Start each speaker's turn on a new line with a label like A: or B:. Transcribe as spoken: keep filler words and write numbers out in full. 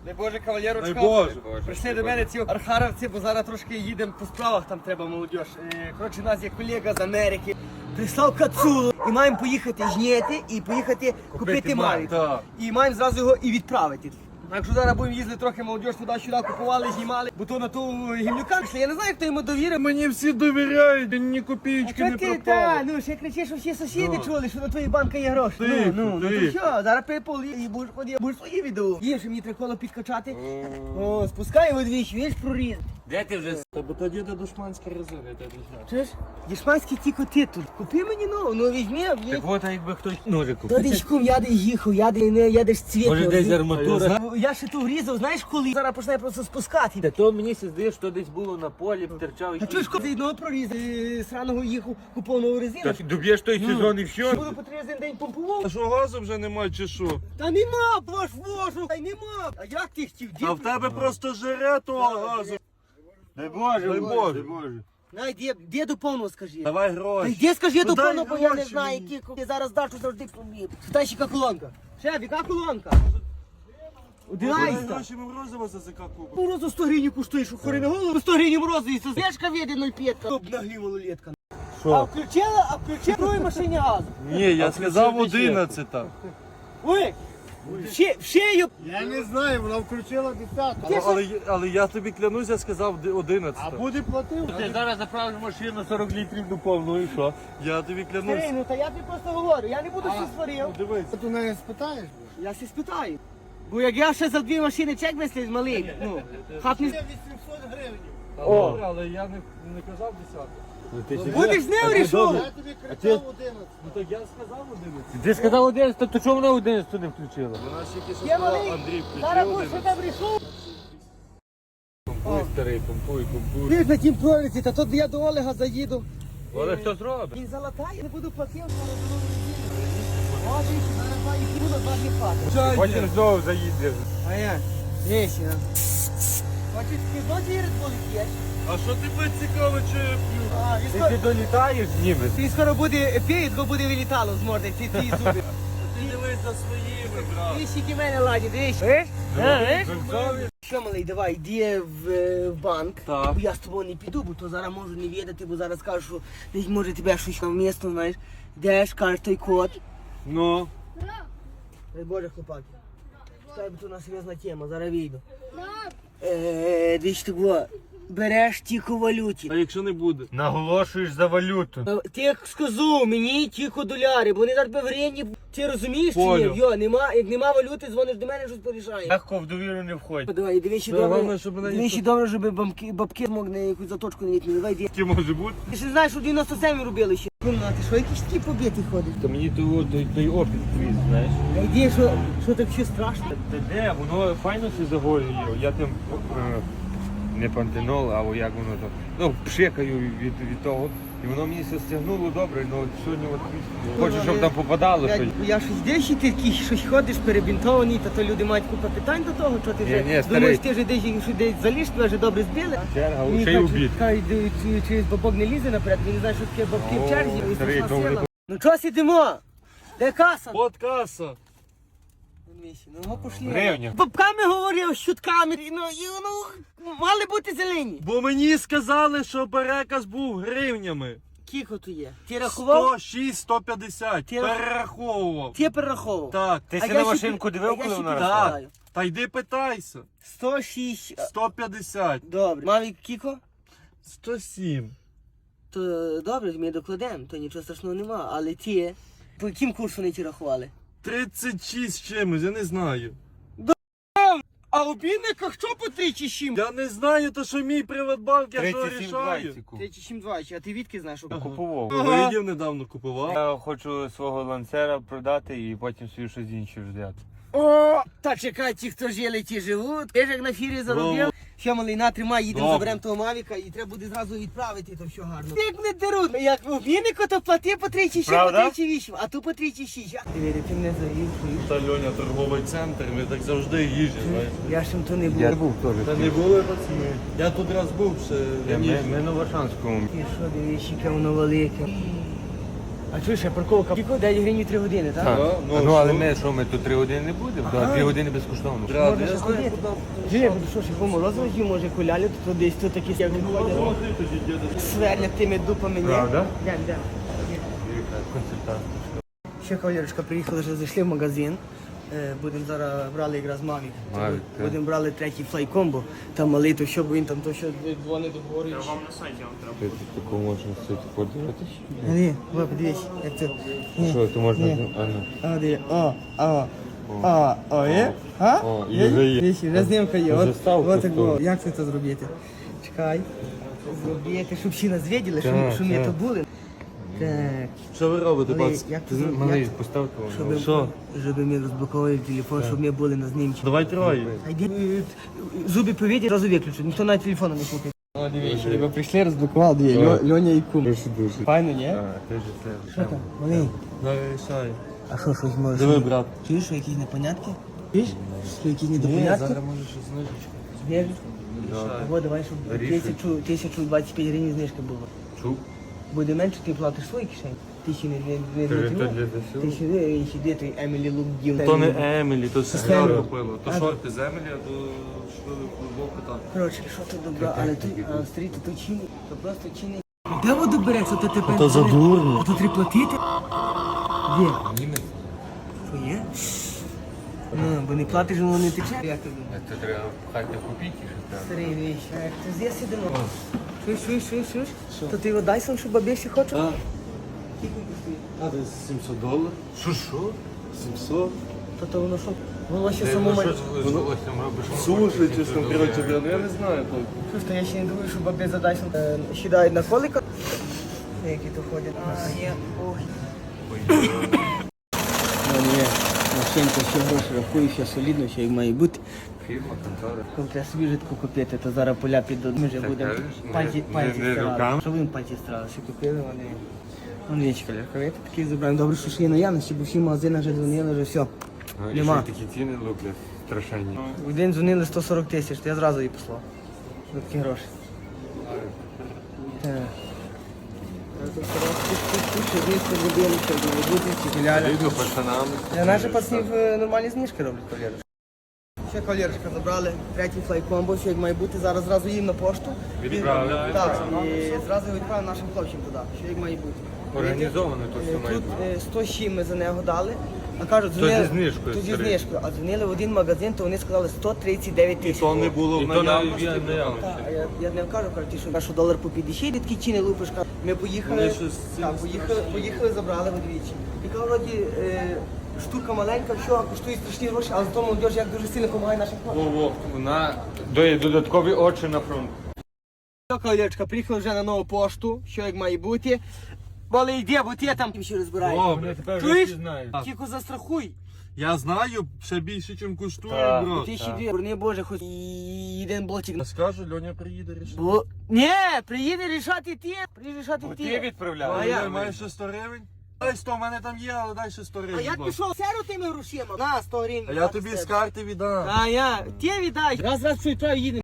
A: Дай Боже, кавалерочка.
B: Дай Боже.
A: Прийшли до мене ці архаровці, бо зараз трошки їдемо по справах, там треба молодіж. Е, Коротше, у нас є колега з Америки. Прислав кацулу і маємо поїхати жняти і поїхати купити Мавік.
B: так.
A: І маємо зразу його і відправити. Так що зараз будемо їздити трохи молодіж туди-сюди, купували, знімали, бо то на ту гімнюка прийшли. Я не знаю, хто йому довірив.
B: Мені всі довіряють, ні
A: А
B: копійки не
A: що ти,
B: пропало.
A: та, ну ще кричиш, що всі сусіди
B: Ну.
A: чули, що на твоїй банка є гроші.
B: Тихо,
A: ну, ну, ну то
B: тихо.
A: що, зараз припол і будеш ходити, будеш свої відео. Їм, що мені треба коло підкачати. О, спускаємо двічі, видиш, проріз.
C: Де ти вже?
B: Та бо тоді де душманська резина, я тебе знаю.
A: Чуєш? Дішманські ті коти тут. Купи мені нову, ну візьми,
C: Так
A: візьми.
C: от, а якби хтось ножик
A: То
C: купив.
A: десь кум, я десь їхав, я десь не, я десь цвіт.
C: Може
A: не
C: десь
A: розумію.
C: арматура.
A: Я ще то врізав, знаєш коли? Зараз почне просто спускати.
C: Та то мені се здає, що десь було на полі, терчав
A: А
C: якийсь.
A: чуєш, коли з одного прорізу, е, сраного їхав, купив нову резину.
C: Та доб'єш той сезон і все.
A: Буду по три день помпував.
B: А що газу вже немає чи що?
A: Та нема, ваш вожу, та й нема. А як ти хотів?
B: А в тебе просто жере того газу.
C: Дай Боже,
B: Дай Боже.
A: Най, де, де до повного скажи.
C: Давай
A: Та
C: гроші.
A: йди скажи до
B: дай
A: повного, бо я не
B: гроші
A: знаю,
B: мені.
A: які ти зараз даш, що завжди пробів. Та ще яка колонка. Шеф, яка колонка?
B: Дай
A: Одинайста.
B: гроші морозиво за ЗК купив.
A: Морозу сто гривень коштує, що хори на голову, сто гривень морозу, і зв'язка віде нуль п'ять. Топ нагрі малолетка. А
C: Що?
A: включила, а включила другій машині газу.
B: Ні, я сказав
C: включив ще.
B: одинадцята.
A: Ой, ще, в шею.
D: Я не знаю, вона включила десятку.
B: Але, але, але я тобі клянусь, я сказав
D: А
B: одинадцята.
D: буде платив?
C: Ти зараз заправиш машину сорок літрів до повного і що?
B: Я тобі клянусь.
A: Старий, ну та я тобі просто говорю, я не буду всі сварив.
B: Дивись.
D: Ти у неї спитаєш?
A: Я сі спитаю. Бо як я ще за дві машини чек вислів малий, ну, хапні.
D: вісімсот гривень.
B: О. Добре, але я не, не казав десятку.
A: Будеш з нею рішов.
D: Я тобі кричав одинадцять.
B: Ну так я сказав одинадцять.
C: Ти сказав одинадцять, то чому вона одинадцять не включила?
B: Вона ще тільки що
A: Я
B: сказала,
A: малий,
B: Андрій
A: зараз
B: включив
A: будеш ще
B: одинадцять.
A: там рішов.
C: Помпуй, старий, помпуй, помпуй.
A: Ти ж на тім проліці, та тут я до Олега заїду.
C: Але хто зробить?
A: Він залатає, не буду платив, зараз дорогу їду. Може, зараз два і буду, два не платить.
C: Потім знову заїдеш.
A: А я? Десь, а. Хочеш, ти знову вірить, коли п'єш?
B: А що тебе цікаво, чи я п'ю?
A: А, він
C: Ти
A: скоро,
C: ти долітаєш ніби.
A: він скоро буде п'є, то буде вилітало з морди, ці твої зуби.
B: Ти дивись за своїми, брат.
A: Дивись, які в мене ладні, дивись. Видиш? А, видиш? Що, малий, давай, йди в, е, в банк.
B: Так.
A: Бо я з тобою не піду, бо то зараз можу не відати, бо зараз кажу, що десь може тебе щось там місто, знаєш. Йдеш, кажеш той код.
B: Ну.
A: Дай Боже, хлопаки. Читай, бо то у нас серйозна тема, зараз вийду. Е, дивись, того, береш тільки в валюті.
B: А якщо не буде?
C: Наголошуєш за валюту.
A: Е, Ти як сказав, мені тільки доляри, бо вони зараз в гривні. Ти розумієш чи
B: Понял.
A: ні? Йо, нема, як нема валюти, дзвониш до мене, щось порішає.
C: Легко в довіру не входить.
A: Давай, дивись,
B: Та головне,
A: добре,
B: щоб мене
A: дивись,
B: ніхто-
A: добре, щоб бабки, бабки змогли якусь заточку не відміли. Давай, йди.
B: Які може бути?
A: Ти ж знаєш, що в дев'яносто сьомі робили ще. Ну, а ти що, якісь такі побіти ходиш?
C: Та мені той, той, той опіт твій, знаєш.
A: А йди, що, що так ще страшно?
C: Та де, воно файно все загоює. Я тим е, не пантенол, а як воно там. Ну, пшикаю від, від того. І воно мені все стягнуло добре, ну от сьогодні от хочу, щоб там попадало
A: Я,
C: щось.
A: я щось десь ти такий щось ходиш перебінтований, та то люди мають купа питань до того, що ти
C: Ні,
A: вже
C: ні, старий.
A: думаєш, ти вже десь що десь заліз, тебе вже добре збили.
C: Черга,
A: Мені
C: ще й
A: кажуть,
C: убіт.
A: хай йде, чи- через бабок не лізе наперед, він не знає, що таке бабки в
C: О,
A: черзі, і
C: старий,
A: страшна
C: то вони
A: сила. Ну чого сидимо? Де каса?
B: От каса.
A: Ну, його пошли.
C: Гривня.
A: Бабками говорив, щутками, ну, і, ну, мали бути зелені.
B: Бо мені сказали, що переказ був гривнями.
A: Кіко то є? Ти рахував?
B: сто шість сто п'ятдесят.
A: Ти-
B: Перераховував.
A: Ти перераховував?
B: Так.
C: Ти
A: А
C: си
A: я
C: на
A: ще
C: машинку
A: пі-
C: дивив,
A: а я
C: коли
A: ще
C: вона
A: пі-
C: росла?
A: знаю.
B: Та йди питайся.
A: сто шість.
B: сто п'ятдесят.
A: Добре. Мавік Кіко?
B: сто сім.
A: То добре, ми докладемо, то нічого страшного нема, але ті, по яким курсу вони ті рахували?
B: тридцять шість чимось, я не знаю.
A: А у бідниках що по три чи сім?
B: Я не знаю, то що мій Приватбанк, я що
C: тридцять сім
B: рішаю.
C: двадцять.
A: Три чи сім два, а ти відки знаєш, що
C: Купував.
B: Видів недавно купував.
C: Я хочу свого ланцера продати і потім собі щось інше взяти.
A: О, та чекай, ті, хто жили, ті живуть. Ти ж як на фірі заробив. Що, малий, на, тримай, їдемо,
B: Добре.
A: заберемо того Мавіка і треба буде зразу відправити, то все гарно. Як не деруть, як у Віннику, то плати по три чи сім, по
C: Правда?
A: три чи вісім, а тут по три чи шість. Диви, ти мене завів.
B: Та Льоня, торговий центр, ми так завжди їжджемо, знаєш.
A: Я ж то не був.
C: був теж.
B: Та не були пацани. Я тут раз був ще.
C: Ми,
B: раніше.
C: ми на Варшанському.
A: Ти що, дивись, яке воно велике. А чуєш, а парковка? Скільки? дев'ять гривень три години, так?
C: Так.
B: ну,
C: Ну, але
B: що?
C: ми що, ми тут три години не будемо?
A: Ага.
C: Так, три години безкоштовно.
B: Брат,
A: Можна
B: я
A: ще
B: знаю,
A: ходити.
B: куди.
A: Жив, що ж, його морозиво їв, може кулялю, то десь тут такі як ходять. Сверлять тими дупами, ні?
C: Правда?
A: Йдем, йдем.
C: Консультант.
A: Ще кавалерочка, приїхали, вже зайшли в магазин. Е, Будемо зараз брали якраз Mavic.
C: Mavic, так.
A: Будемо брали третій флайкомбо. Там малий, то що, бо він там то що дзвонить до говорить.
C: Ти таку можна сити подивитися?
A: Ні, ви подивись, як це. Ні.
C: Що, то можна...
A: Ні.
C: А, ну.
A: А, де? О, а, а, о, є? А?
C: О, і
A: Є?
C: вже є.
A: Дивись, вже знімка є. От,
C: Заставку
A: от так
C: ставлю.
A: було. Як це це зробити? Чекай. Зробити, щоб всі нас виділи, щоб,
C: Так,
A: щоб ми
C: так.
A: то були. Так.
B: Що ви робите,
A: Малий,
B: бац?
A: як це
C: Ти
A: зробити?
C: малий,
A: Як-
C: постав того.
A: Щоб,
B: Що?
A: щоб ми розблокували телефон, щоб ми були на знімці.
B: Давай троє.
A: А йди, е, зуби повіді, одразу виключу, ніхто навіть телефону не слухає. О, дивіться, ви прийшли, розблокували, дві,
C: Так.
A: Льоня і кум.
C: Дуже дуже.
A: Файно, ні?
C: А, ти ж це.
A: Що там, малий?
B: Давай рішай.
A: А що, щось можеш?
B: Диви, брат.
A: Чуєш, що якісь непонятки? Чуєш? Що якісь
B: Ні,
A: недопонятки?
B: зараз може щось знижечку.
A: Знижки?
B: Рішай.
A: Або давай, щоб
C: Рішуй.
A: тисячу, тисячу двадцять п'ять гривень знижки було.
C: Чув?
A: Буде менше, ти платиш свої кишені. Тисячі не не не
C: Ти
A: не
C: то
A: не
C: для ЗСУ?
A: Тисячі не сюди, той Емілі Лук дів.
B: То не Емілі, то сестра
A: Емілі.
B: купила. То
A: А,
B: шорти з Емілі, а то швили футболку там.
A: Коротше, що тут добра, але тут, а стрій, то тут чини, то просто чини. Де воду береться, то тепер?
B: То за дурно.
A: То треба платити? Де?
C: Німець.
A: Що є? Ну, бо не платиш, воно не тече. Як ти думаєш?
C: Це треба пхати копійки, що там.
A: Старий віч, а як ти з'їв сидимо? Чуєш, чуєш, чуєш, чуєш? То ти його дай сам, що бабіші хоче?
B: А,
A: Скільки коштує?
B: а десь сімсот доларів.
C: Що, що?
B: сімсот.
A: То то воно що? Волосся
C: Ти
A: самому.
C: ну, що з волоссям робиш?
B: Сушить, чи там, коротше, блін, я не знаю. то.
A: Що ж, то я ще не думаю, що баби за Дайсон е, сідають на колика. Які то ходять. А, є. Ой. Ну, є. Машинка, ще гроші рахую, ще солідно, ще як має бути.
C: Фірма, контора.
A: Коли треба собі житку купити, то зараз поля підуть. Ми вже
C: Так,
A: будемо
C: кажеш,
A: пальці,
C: не-
A: пальці
C: не- не
A: стирали.
C: руками?
A: Що будемо пальці стирали? Що купили вони? Вон вічка, лярка, такий забрали. Добре, що ще є наявності, бо всі магазини вже дзвонили, вже все.
C: Ну, і
A: Нема.
C: що такі ціни люблять страшенні.
A: В день дзвонили сто сорок тисяч, то я зразу її послав. За такі гроші. Так.
C: Видно пацанам.
A: Я наші пацанів е, нормальні знижки роблять, кавалерочка. Ще кавалерочка забрали, третій флайкомбо, що як має бути, зараз зразу їм на пошту.
C: Відправили.
A: Так, і зразу відправимо нашим хлопцям туди, що як має бути.
C: Організовано то все
A: Е,
C: має
A: Тут
C: бути.
A: е, сто сім ми за нього дали. А кажуть,
C: То
A: дзвонили,
C: зі знижкою,
A: то зі
C: старий.
A: знижкою. А дзвонили в один магазин, то вони сказали сто тридцять дев'ять тисяч.
B: То не було
C: І
B: в
C: то навіть
B: наявності.
C: я не явно.
A: Так, а я, я не кажу, кажу, ті, що, що долар по п'ятдесят, такі ціни лупиш. кажу. Ми поїхали,
B: Вони щось з цим
A: так, поїхали, поїхали, забрали вдвічі. Яка вроді е, штука маленька, що коштує страшні гроші, але зато молодіж як дуже сильно допомагає нашим хлопцям.
C: Во-во, вона дає додаткові очі на фронт.
A: Все, кавалерочка, приїхали вже на нову пошту, що як має бути. Боли йде, бо ти там ще розбираєш.
B: Добре.
C: Тепер
A: Чуєш?
C: всі знають.
A: Тільки застрахуй.
B: Я знаю, ще більше, чим коштує,
C: Так.
B: бро.
A: Ти ще дві, брони боже, хоч і один блочик.
B: Я скажу, Льоня приїде рішити.
A: Бо... Ні, приїде рішати ти, приїде рішати
C: Бо
A: ти.
C: ти відправляв.
A: А я-
B: Ой, маєш ще сто гривень? Дай сто, в мене там є, але дай ще сто
A: А
B: гривень.
A: я
B: будь ласка.
A: пішов серу тими грошима. На, сто гривень.
B: А я тобі з карти віддам.
A: А я, ти віддай. Раз, раз, що і їдемо.